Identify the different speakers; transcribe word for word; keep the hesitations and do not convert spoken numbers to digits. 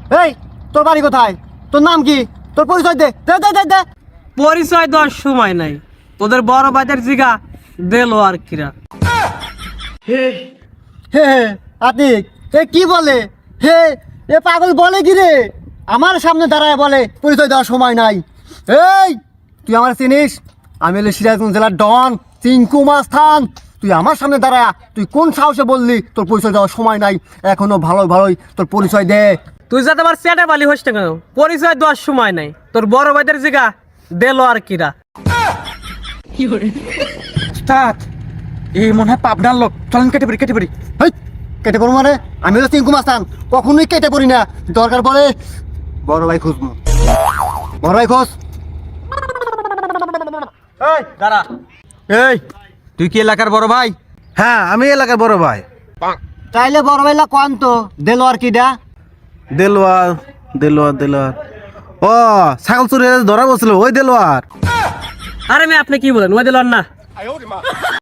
Speaker 1: এই তোর বাড়ি কোথায়? তোর নাম কি? তোর পরিচয় দে দে দে দে দে।
Speaker 2: পরিচয় দেওয়ার সময় নাই, তোদের বড় ভাইদের জিগা দিল আর কিরা।
Speaker 1: হে হে আতিক এ কি বলে? হে এ পাগল বলে কি রে? আমার সামনে দাঁড়ায় বলে পরিচয় দেওয়ার সময় নাই। এই তুই আমার চিনিস? আমি হলো সিরাজগঞ্জ জেলার ডন চিঙ্কু মাস্তান। তুই আমার সামনে দাঁড়ায় তুই কোন সাহসে বললি তোর পরিচয় দেওয়ার সময় নাই? এখনো ভালো ভালোই তোর পরিচয় দে।
Speaker 2: তুই যাতে আমার চেটে বালি হইস না কেন, পরিচয় দেওয়ার সময় নাই, তোর বড় ভাইদের জিগা দিল আর কিরা।
Speaker 3: উস্তাদ এই মনে হয় পাবনার লোক, চলেন কেটে পড়ি কেটে পড়ি।
Speaker 1: হেই কেটে পড়বো মানে? আমি হলো চিঙ্কু মাস্তান, কখনোই কেটে পড়ি না। দরকার পড়ে বড় ভাই খুঁজবো। বড় ভাই খোঁজ।
Speaker 3: এই দাঁড়া। এই তুই কি এলাকার বড় ভাই?
Speaker 4: হ্যাঁ আমি এলাকার বড় ভাই।
Speaker 1: তাইলে বড় ভাইলা কন তো দেলো আর কিডা?
Speaker 4: দেলোয়ার দেলোয়ার দেলোয়ার ও ছাগল চুরি ধরা বলছিল ওই দেলোয়ার।
Speaker 2: আরে মেয়ে আপনি কি বলেন, ওই দিল না।